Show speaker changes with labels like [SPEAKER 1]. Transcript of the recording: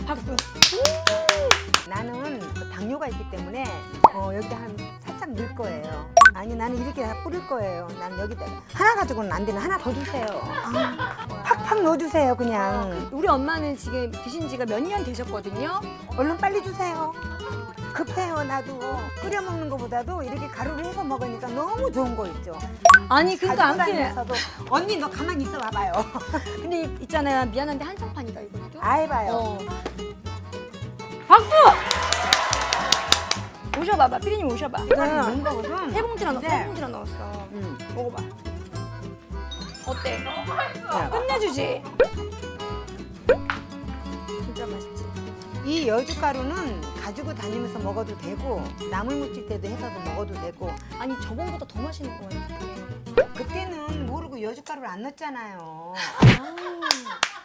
[SPEAKER 1] 박수.
[SPEAKER 2] 나는 그 당뇨가 있기 때문에 여기다 한 살짝 넣을 거예요. 아니 나는 이렇게 다 뿌릴 거예요. 난 여기다 하나 가지고는 안 되는 하나 더 주세요. 팍팍 넣어주세요 그냥.
[SPEAKER 1] 우리 엄마는 지금 드신 지가 몇 년 되셨거든요.
[SPEAKER 2] 얼른 빨리 주세요. 급해요 나도. 끓여 먹는 것보다도 이렇게 가루를 해서 먹으니까 너무 좋은 거 있죠.
[SPEAKER 1] 아니 그러니까 안
[SPEAKER 2] 가지고
[SPEAKER 1] 그래.
[SPEAKER 2] 다니면서도 언니 너 가만히 있어 봐봐요.
[SPEAKER 1] 근데 있잖아요. 미안한데 한정판이다 이것도.
[SPEAKER 2] 아이 봐요.
[SPEAKER 1] 어. 박수! 오셔봐봐. 피디님 오셔봐.
[SPEAKER 2] 이거는 넣은 거거든.
[SPEAKER 1] 세 봉지나 넣었어.
[SPEAKER 2] 네.
[SPEAKER 1] 세 봉지나 넣었어. 먹어봐. 어때?
[SPEAKER 2] 야.
[SPEAKER 1] 끝내주지? 진짜 맛있지?
[SPEAKER 2] 이 여주가루는 가지고 다니면서 먹어도 되고 나물 무칠 때도 해서도 먹어도 되고.
[SPEAKER 1] 아니 저번보다 더 맛있는 거예요.
[SPEAKER 2] 그때는 모르고 여주가루를 안 넣었잖아요.